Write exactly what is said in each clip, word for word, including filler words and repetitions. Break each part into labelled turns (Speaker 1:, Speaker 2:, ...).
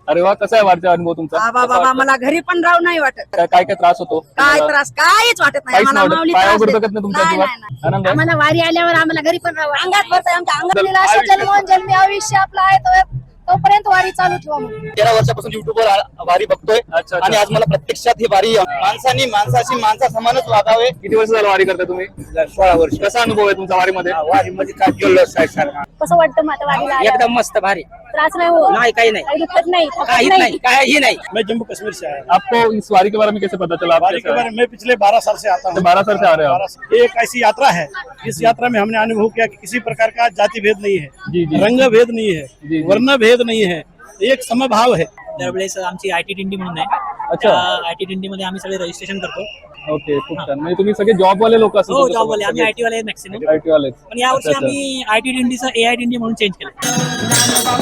Speaker 1: अरे वा, कसा आहे वारीचा अनुभव तुमचा?
Speaker 2: बाबा बाबा मला घरी पण राहू नाही वाटत.
Speaker 1: काय काय काय त्रास होतो?
Speaker 2: काय त्रास काहीच वाटत नाही
Speaker 1: काहीच
Speaker 2: आम्हाला.
Speaker 1: नाही
Speaker 2: माऊली
Speaker 1: वाटत? पायावर
Speaker 2: त्रास
Speaker 1: गुडघत नाही तुमच्या
Speaker 2: नाही,
Speaker 1: जीवात?
Speaker 2: नाही, नाही.
Speaker 1: आनंद आहे?
Speaker 3: आम्हाला वारी आल्यावर आम्हाला घरी पण राहावं
Speaker 2: अंगात भरतंय आमच्या अंगात.
Speaker 3: अंगात
Speaker 1: आयुष्य-
Speaker 3: असं जन्मोन जन्मी आयुष्य आपलं आहे तो तोपर्यंत वारी चालू ठेवा म्हणून.
Speaker 4: तेरा वर्षापासून युट्यूबवर वारी बघतोय
Speaker 1: अच्छा, अच्छा.
Speaker 4: आणि आज मला प्रत्यक्षात ही वारी माणसानी माणसाशी माणसा समानच वागावे.
Speaker 1: किती वर्ष झालं वारी करता तुम्ही?
Speaker 4: सोळा वर्ष
Speaker 1: कसा अनुभव आहे तुमचा वारीमध्ये?
Speaker 4: वारीमध्ये काय जल्लोष आहे सारखा.
Speaker 3: कसं वाटतं माझ्या वारीला आल्यावर?
Speaker 4: एकदम मस्त भारी.
Speaker 3: त्रास नाही हो,
Speaker 4: नाही काही नाही
Speaker 3: काही दुखत नाही, थकत
Speaker 4: काहीच नाही काही नाही.
Speaker 5: मैं जम्मू कश्मीर से आया
Speaker 1: आपको इस वारी के बारे में कैसे पता चला? आप
Speaker 5: वारी
Speaker 1: कैसे
Speaker 5: के
Speaker 1: आए?
Speaker 5: बारे में मैं पिछले बारह साल से आता हूँ।
Speaker 1: बारह साल से आ रहे हो आप?
Speaker 5: बारह साल- ये एक ऐसी यात्रा है, इस यात्रा में हमने अनुभव किया कि किसी प्रकार का जाति भेद नहीं
Speaker 1: जी,
Speaker 5: है,
Speaker 1: जी।
Speaker 5: रंग भेद नहीं है,
Speaker 1: जी, जी।
Speaker 5: वर्ण भेद नहीं है, एक समभाव है।
Speaker 6: दरवेळेस आमची आयटी दिंडी म्हणून आहे.
Speaker 1: अच्छा.
Speaker 6: आयटी दिंडी मध्ये आम्ही सगळे रजिस्ट्रेशन करतो.
Speaker 1: ओके, खूप छान. म्हणजे तुम्ही सगळे जॉब वाले लोक असतात?
Speaker 6: हो, जॉब वाले आम्ही आयटी वाले मॅक्सिमम.
Speaker 1: आयटी वाले.
Speaker 6: पण यावर्षी आम्ही आयटी दिंडीचं एआय दिंडी म्हणून चेंज केलं.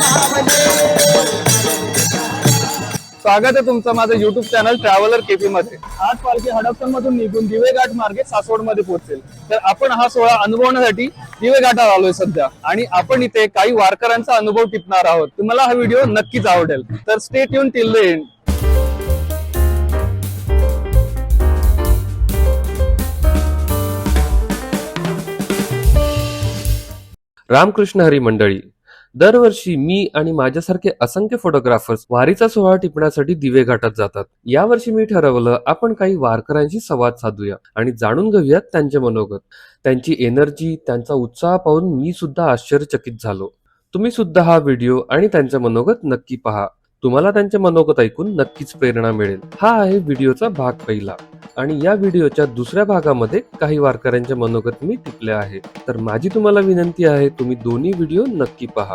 Speaker 1: स्वागत आहे तुमचं माझं युट्यूब चॅनल ट्रॅव्हलर केपी मध्ये. आज पालखी हडपसर मधून निघून दिवे घाट मार्गे सासवड मध्ये पोहोचेल. तर आपण हा सोहळा अनुभवण्यासाठी दिवे घाटावर आलोय सध्या, आणि आपण इथे काही वारकऱ्यांचा अनुभव टिपणार आहोत. तुम्हाला हा व्हिडिओ नक्कीच आवडेल, तर stay tune till the end.
Speaker 7: Ramkrishna Hari मंडळी, दरवर्षी मी आणि माझ्यासारखे असंख्य फोटोग्राफर्स वारीचा सोहळा टिपण्यासाठी दिवे घाटात जातात. यावर्षी मी ठरवलं आपण काही वारकऱ्यांशी संवाद साधूया आणि जाणून घेऊयात त्यांचे मनोगत. त्यांची एनर्जी, त्यांचा उत्साह पाहून मी सुद्धा आश्चर्यचकित झालो. तुम्ही सुद्धा हा व्हिडिओ आणि त्यांचे मनोगत नक्की पहा. तुम्हाला त्यांचे मनोगत ऐकून नक्कीच प्रेरणा मिळेल. हा आहे व्हिडिओचा भाग पहिला, आणि या व्हिडिओच्या दुसऱ्या भागामध्ये काही वारकऱ्यांचे मनोगत मी टिपले आहे. तर माझी तुम्हाला विनंती आहे, तुम्ही दोन्ही व्हिडिओ नक्की पहा.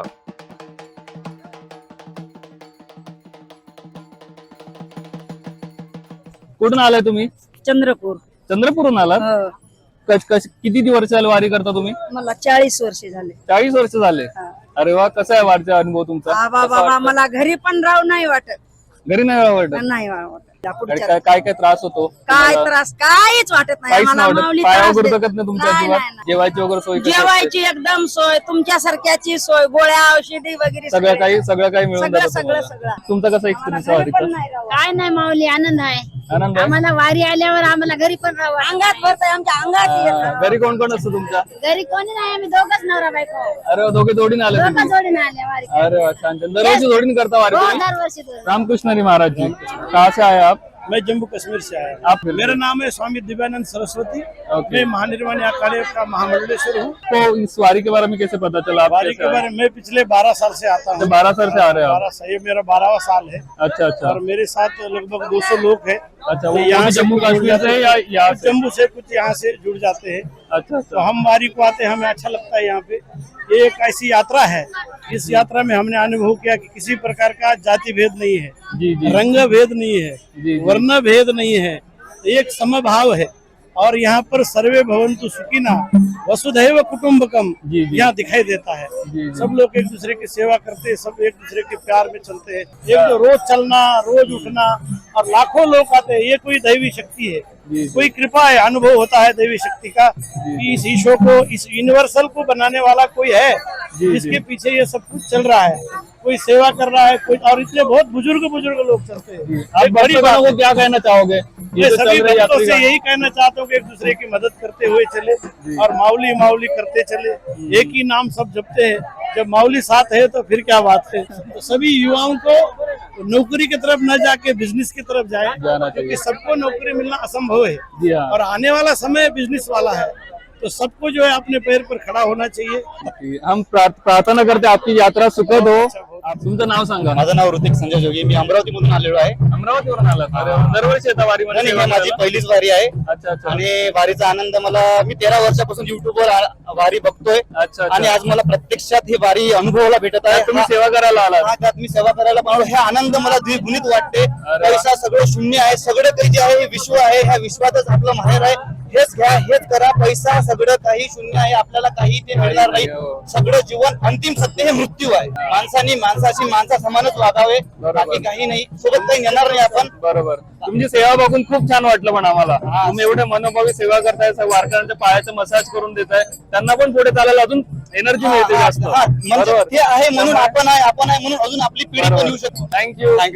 Speaker 1: कुठून आलाय तुम्ही?
Speaker 2: चंद्रपूर.
Speaker 1: चंद्रपूरहून आलात?
Speaker 2: हो.
Speaker 1: कश कश किती वर्ष झालं वारी करता तुम्ही?
Speaker 2: मला चाळीस वर्ष झाले.
Speaker 1: चाळीस वर्ष झाले.
Speaker 2: हा.
Speaker 1: अरे वा, कसा आहे वारीचा अनुभव तुमचा?
Speaker 2: बाबा
Speaker 1: कसा
Speaker 2: बाबा
Speaker 1: वाटतं?
Speaker 2: मला घरी पण राहू नाही वाटत.
Speaker 1: घरी नाही वाटत?
Speaker 2: नाही वाटत.
Speaker 1: आणि
Speaker 2: पुढच्या
Speaker 1: काय काय काय त्रास होतो?
Speaker 2: काय
Speaker 1: तुम्हाला?
Speaker 2: त्रास काहीच वाटत नाही
Speaker 1: काहीच
Speaker 2: आम्हाला.
Speaker 1: नाही वाटत?
Speaker 2: माऊली
Speaker 1: पायावर
Speaker 2: त्रास देत-
Speaker 1: गुडघत नाही तुमच्या
Speaker 2: नाही,
Speaker 1: जीवात?
Speaker 2: नाही, नाही.
Speaker 1: जेवायची वगैरे सोय कशी असते?
Speaker 2: जेवायची एकदम सोय, तुमच्या सारख्याची सोय, गोळ्या औषधी वगैरे
Speaker 1: सगळं काही सगळं काही मिळून
Speaker 2: सगळं
Speaker 1: जातं
Speaker 2: सगळं
Speaker 1: तुम्हाला.
Speaker 2: सगळं.
Speaker 1: तुमचा कसा एक्सपिरियन्स
Speaker 2: घरी पण
Speaker 1: वारीचा?
Speaker 2: नाही राहू.
Speaker 3: काय नाही माऊली, आनंद आहे.
Speaker 1: आनंद आहे?
Speaker 3: आम्हाला वारी आल्यावर आम्हाला घरी पण राहावं.
Speaker 2: अंगात भरतंय आमच्या अंगात येतं.
Speaker 1: घरी कोण कोण असतं तुमच्या?
Speaker 3: घरी कोणी नाही, आम्ही दोघच नवरा बायको.
Speaker 1: अरे वा, दोघे जोडीने आले
Speaker 3: दोघं
Speaker 1: तुम्ही?
Speaker 3: जोडीने आले वारी.
Speaker 1: अरे वा, छान छान. दरवर्षी जोडीने करता वारी
Speaker 3: हो,
Speaker 1: तुम्ही?
Speaker 3: दरवर्षी दोघं.
Speaker 1: रामकृष्ण हरी महाराज जी, कहाँ से आए आप?
Speaker 5: मैं जम्मू कश्मीर से आया हूँ।
Speaker 1: आप
Speaker 5: मेरा नाम है स्वामी दिव्यानंद सरस्वती।
Speaker 1: ओके।
Speaker 5: मैं महानिर्वाणी अखाड़े का महामंडलेश्वर हूँ।
Speaker 1: तो इस वारी के बारे में कैसे पता चला? आप
Speaker 5: वारी
Speaker 1: कैसे
Speaker 5: के
Speaker 1: आए?
Speaker 5: बारे में मैं पिछले बारह साल से आता हूँ।
Speaker 1: बारह साल से आ रहे हो आप?
Speaker 5: बारह साल, ये मेरा बारहवां साल है।
Speaker 1: अच्छा अच्छा
Speaker 5: और मेरे साथ लगभग दो सौ लोग हैं।
Speaker 1: अच्छा। वो
Speaker 5: यहाँ
Speaker 1: यहाँ
Speaker 5: से
Speaker 1: जम्मू
Speaker 5: कुछ जुड़
Speaker 1: कश्मीर से
Speaker 5: जाते
Speaker 1: या
Speaker 5: हैं,
Speaker 1: यहाँ
Speaker 5: कुछ
Speaker 1: से?
Speaker 5: जम्मू से, कुछ यहाँ से जुड़ जाते हैं।
Speaker 1: अच्छा
Speaker 5: तो
Speaker 1: अच्छा।
Speaker 5: हम वारी को आते हैं, हमें अच्छा लगता है। यहाँ पे ये एक ऐसी यात्रा है, इस यात्रा में हमने अनुभव किया कि किसी प्रकार का जाति भेद नहीं है,
Speaker 1: जी जी
Speaker 5: रंग भेद नहीं है,
Speaker 1: जी, जी।
Speaker 5: वर्ण भेद नहीं है, एक समभाव है। और यहाँ पर सर्वे भवन्तु सुखिनः वसुधैव कुटुम्बकम
Speaker 1: जी, जी।
Speaker 5: यहाँ दिखाई देता है।
Speaker 1: जी, जी।
Speaker 5: सब लोग एक दूसरे की सेवा करते हैं, सब एक दूसरे के प्यार में चलते हैं। एक जो रोज चलना, रोज उठना, और लाखों लोग आते हैं, ये कोई दैवी शक्ति है,
Speaker 1: जी, जी।
Speaker 5: कोई कृपा है, अनुभव होता है दैवी शक्ति का कि इस ईशो को, इस यूनिवर्सल को बनाने वाला कोई है
Speaker 1: जी,
Speaker 5: जिसके
Speaker 1: जी।
Speaker 5: पीछे ये सब कुछ चल रहा है। कोई सेवा कर रहा है, कोई, और इतने बहुत बुजुर्ग बुजुर्ग लोग चलते हैं।
Speaker 1: आप
Speaker 5: एक बड़ी
Speaker 1: भक्तों
Speaker 5: बात
Speaker 1: को क्या कहना चाहोगे?
Speaker 5: मैं
Speaker 1: जो
Speaker 5: सभी
Speaker 1: चल रहे
Speaker 5: भक्तों
Speaker 1: यात्री
Speaker 5: से
Speaker 1: का-
Speaker 5: यही कहना चाहता हूँ कि एक दूसरे की मदद करते हुए चले और माऊली माऊली करते चले। एक ही नाम सब जपते हैं, जब माऊली साथ है तो फिर क्या बात है। तो सभी युवाओं को नौकरी की तरफ न जाके बिजनेस की तरफ जाए,
Speaker 1: जाना
Speaker 5: क्योंकि
Speaker 1: चाहिए।
Speaker 5: सबको नौकरी मिलना असंभव है
Speaker 1: जी हाँ।
Speaker 5: और आने वाला समय बिजनेस वाला है। तो सबको जो है अपने पैर पर खड़ा होना चाहिए।
Speaker 1: हम प्रार्थ- प्रार्थना करते आपकी यात्रा सुखद हो. आप तुमचं नाव सांगा.
Speaker 4: माझं नाव ऋतिक संजय जोगी, मी अमरावतीमधून आलेलो आहे।
Speaker 1: अमरावतीवरून आलात? अरे वा. दरवर्षी येता वारीमध्ये
Speaker 4: आणि
Speaker 1: सेवा
Speaker 4: ही माझी
Speaker 1: करायला?
Speaker 4: पहिलीच वारी आहे
Speaker 1: अच्छा अच्छा
Speaker 4: आणि वारीचा आनंद मला, मी तेरा वर्षापासून युट्यूबवर आ- वारी बघतोय
Speaker 1: अच्छा अच्छा.
Speaker 4: आणि आज मला प्रत्यक्षात ही वारी अनुभवाला भेटत आहे।
Speaker 1: तुम्ही
Speaker 4: हा-
Speaker 1: सेवा करायला आलात?
Speaker 4: हा त्यात मी सेवा करायला पाहतो, हे आनंद मला द्विगुणित वाटते।
Speaker 1: अरे वा.
Speaker 4: पैसा सगळं शून्य आहे, सगळं काही जे आहे हे विश्व आहे, ह्या विश्वातच आपलं माहेर आहे। हेच घ्या, हेच करा, पैसा सगळं काही शून्य आहे, आपल्याला काही ते मिळणार नाही। सगळं जीवन अंतिम सत्य हे मृत्यू आहे। माणसानी माणसाशी माणसा समानच वागावे, बाकी काही नाही, सोबत काही येणार नाही आपण।
Speaker 1: बरोबर. तुमची सेवा बघून खूप छान वाटलं पण आम्हाला. तुम्ही एवढे मनोभावी सेवा करताय, वारकऱ्यांच्या पायाचं मसाज करून देताय, त्यांना पण पुढे चालायला अजून एनर्जी मिळते जास्त.
Speaker 4: हा, म्हणजे
Speaker 1: बरोबर.
Speaker 4: ते आहे म्हणून आपण आहे आपण आहे म्हणून अजून आपली पिढी पण येऊ शकतो.
Speaker 1: Thank you
Speaker 4: thank you.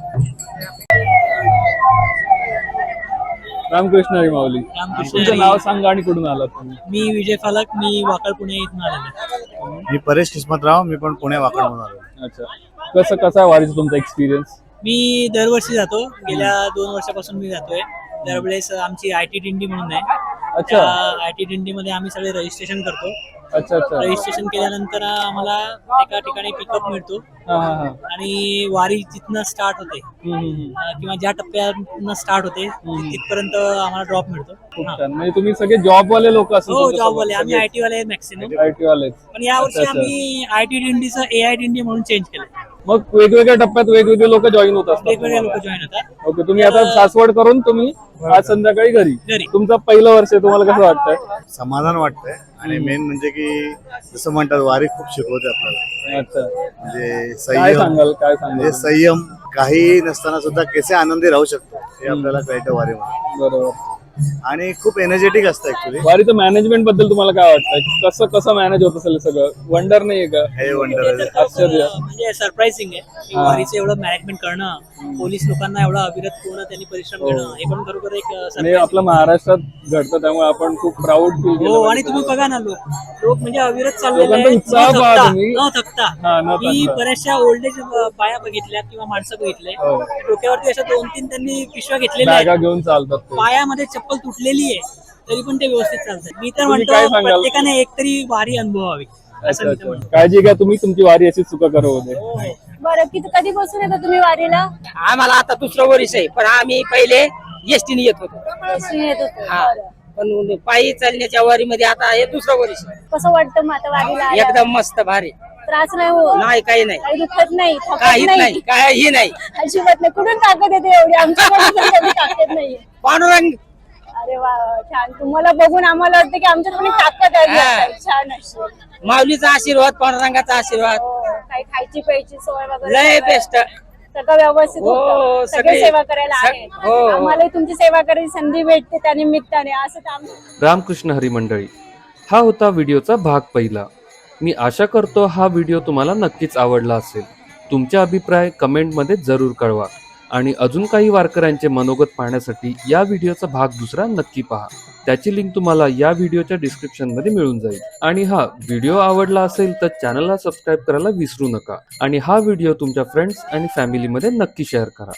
Speaker 1: रामकृष्ण हरी माऊली.
Speaker 6: रामकृष्ण
Speaker 1: तुमचं
Speaker 6: हरी.
Speaker 1: नाव सांगा आणि कुठून आलात तुम्ही?
Speaker 6: मी विजय फालक, मी वाकड पुणे इथून आलेलो आहे.
Speaker 8: मी परेश किस्मतराव, मी पण पुणे वाकड म्हणून आलो.
Speaker 1: अच्छा, कसं कसा आहे वारीचा तुमचा एक्सपिरियन्स?
Speaker 6: मी दरवर्षी जातो, गेल्या दोन वर्षापासून मी जातोय. दरवेळेस आमची आय टी दिंडी म्हणून आहे.
Speaker 1: अच्छा
Speaker 6: आय टी दिंडी मध्ये आम्ही सगळे रजिस्ट्रेशन करतो.
Speaker 1: अच्छा अच्छा
Speaker 6: रजिस्ट्रेशन केल्यानंतर आम्हाला एका ठिकाणी पिकअप मिळतो
Speaker 1: हा हा हा
Speaker 6: आणि वारी जिथनं स्टार्ट होते
Speaker 1: हम्म, हम्म, हम्म.
Speaker 6: अं, किंवा ज्या टप्प्यातनं स्टार्ट होते तिथपर्यंत आम्हाला ड्रॉप मिळतो.
Speaker 1: खूप
Speaker 6: हा.
Speaker 1: छान. म्हणजे तुम्ही सगळे जॉब वाले लोक असतात?
Speaker 6: हो, जॉब वाले आम्ही आय टी वाले मॅक्सिमम.
Speaker 1: आय टी वाले.
Speaker 6: पण यावर्षी
Speaker 1: अच्छा, अच्छा.
Speaker 6: आम्ही आय टी दिंडीचं ए आय दिंडी म्हणून चेंज केलं.
Speaker 1: मग वेगवेगळ्या टप्प्यात वेगवेगळे लोक जॉईन होत असतात
Speaker 6: वेगवेगळे लोक
Speaker 1: तुम्हाला?
Speaker 6: जॉईन होतात.
Speaker 1: ओके, तुम्ही आता सासवड करून तुम्ही आज संध्याकाळी घरी.
Speaker 6: घरी.
Speaker 1: तुमचं पहिलं वर्ष आहे, तुम्हाला कसं वाटतंय?
Speaker 8: समाधान वाटतंय आणि मेन म्हणजे की जसं म्हणतात वारी खूप शिकवते आपल्याला.
Speaker 1: अच्छा,
Speaker 8: म्हणजे
Speaker 1: काय
Speaker 8: संयम,
Speaker 1: सांगाल काय
Speaker 8: म्हणजे
Speaker 1: सांगाल?
Speaker 8: संयम, काही नसताना सुद्धा कसे आनंदी राहू शकतो हे आपल्याला कळतं वारीमध्ये.
Speaker 1: बरोबर.
Speaker 8: आणि खूप एनर्जेटिक असतं ऍक्च्युली.
Speaker 1: वारीचं मॅनेजमेंट बद्दल तुम्हाला काय वाटतंय? कसं कसं मॅनेज होत असेल सगळं? वंडर नाहीये का?
Speaker 8: हे वंडर
Speaker 6: ते तर खूप,
Speaker 1: आश्चर्य.
Speaker 6: अं, म्हणजे सरप्राइझिंग आहे की
Speaker 1: हा.
Speaker 6: वारीचं एवढं मॅनेजमेंट करणं, पोलीस लोकांना एवढा अविरत पूर्ण त्यांनी परिश्रम
Speaker 1: हो.
Speaker 6: घेणं, हे पण खरोखर एक अं,
Speaker 1: आणि
Speaker 6: surprising
Speaker 1: आपल्या महाराष्ट्रात घडतं त्यामुळे आपण खूप प्राऊड फील केलं
Speaker 6: हो. आणि
Speaker 1: पाहिजे.
Speaker 6: तुम्ही बघा ना, लोक लोक म्हणजे अविरत चाललेले
Speaker 1: लोकांचा
Speaker 6: आहेत,
Speaker 1: उत्साह
Speaker 6: न
Speaker 1: पहा
Speaker 6: थकता,
Speaker 1: तुम्ही.
Speaker 6: न थकता.
Speaker 1: हा, न
Speaker 6: मी
Speaker 1: थकता.
Speaker 6: बऱ्याचशा ओल्ड एज बाया बघितल्या किंवा माणसं बघितले,
Speaker 1: हो.
Speaker 6: डोक्यावरती अशा दोन तीन त्यांनी पिशव्या घेतलेल्या
Speaker 1: बॅगा
Speaker 6: आहेत,
Speaker 1: घेऊन चालतात ते.
Speaker 6: पायामध्ये चप्पल तुटलेली आहे, तरी पण ते व्यवस्थित चालतात. मी तर
Speaker 1: तुम्ही काय
Speaker 6: म्हणतो
Speaker 1: सांगाल?
Speaker 6: प्रत्येकाने एक तरी वारी अनुभवावी असं
Speaker 1: अच्छा
Speaker 6: मी तर
Speaker 1: अच्छा,
Speaker 6: म्हणतो.
Speaker 1: काळजी घ्या तुम्ही, तुमची वारी अशी चुका करू दे.
Speaker 3: बरं, किती कधीपासून येता तुम्ही वारीला?
Speaker 2: आम्हाला आता दुसरं वर्ष आहे, पण आम्ही पहिले एसटीने येत होतो.
Speaker 3: एसटीने येत होते.
Speaker 2: हा.
Speaker 3: बरं.
Speaker 2: पण पायी चालण्याच्या वारीमध्ये आता हे दुसरं वर्ष आहे.
Speaker 3: कसं वाटतं मग आता वारीला आल्यावर?
Speaker 2: एकदम मस्त भारी.
Speaker 3: त्रास नाही हो?
Speaker 2: नाही, काही नाही,
Speaker 3: काही दुखत नाही, थकत
Speaker 2: काहीच
Speaker 3: नाही?
Speaker 2: नाही, काही नाही.
Speaker 3: अजिबात नाही. कुठून ताकद येते एवढी? आमच्याकडे तर कधी ताकद नाहीये.
Speaker 2: पांडुरंग
Speaker 3: अरे वा, छान. तुम्हाला बघून आम्हाला वाटतं की आमच्यात पण एक ताकद आहे.
Speaker 2: हा.
Speaker 3: आता. छान अशी.
Speaker 2: माऊलीचा आशीर्वाद, पांडुरंगाचा आशीर्वाद
Speaker 3: हो, काही खायची प्यायची सोय वगैरे
Speaker 2: लय
Speaker 3: सगळं-
Speaker 2: बेस्ट.
Speaker 3: सगळं व्यवस्थित
Speaker 2: हो,
Speaker 3: होतं. सगळे
Speaker 2: सगळे-
Speaker 3: सेवा करायला
Speaker 2: सग-
Speaker 3: आहेत.
Speaker 2: हो.
Speaker 3: आम्हालाही तुमची सेवा करायची संधी भेटते त्या निमित्ताने. असं तर आम-
Speaker 7: रामकृष्ण हरी मंडळी, हा होता व्हिडिओचा भाग पहिला. मी आशा करतो हा व्हिडिओ तुम्हाला नक्कीच आवडला असेल. तुमचे अभिप्राय कमेंटमध्ये जरूर कळवा आणि अजून काही वारकऱ्यांचे मनोगत पाहण्यासाठी या व्हिडिओचा भाग दुसरा नक्की पहा. त्याची लिंक तुम्हाला या व्हिडिओच्या डिस्क्रिप्शनमध्ये मिळून जाईल. आणि हा व्हिडिओ आवडला असेल तर चॅनलला सबस्क्राईब करायला विसरू नका आणि हा व्हिडिओ तुमच्या फ्रेंड्स आणि फॅमिलीमध्ये नक्की शेअर करा.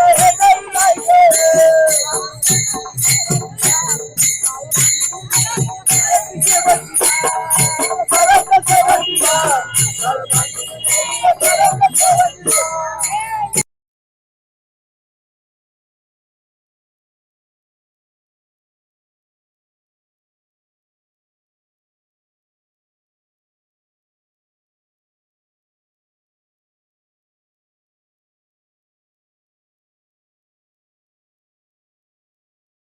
Speaker 3: Thank you.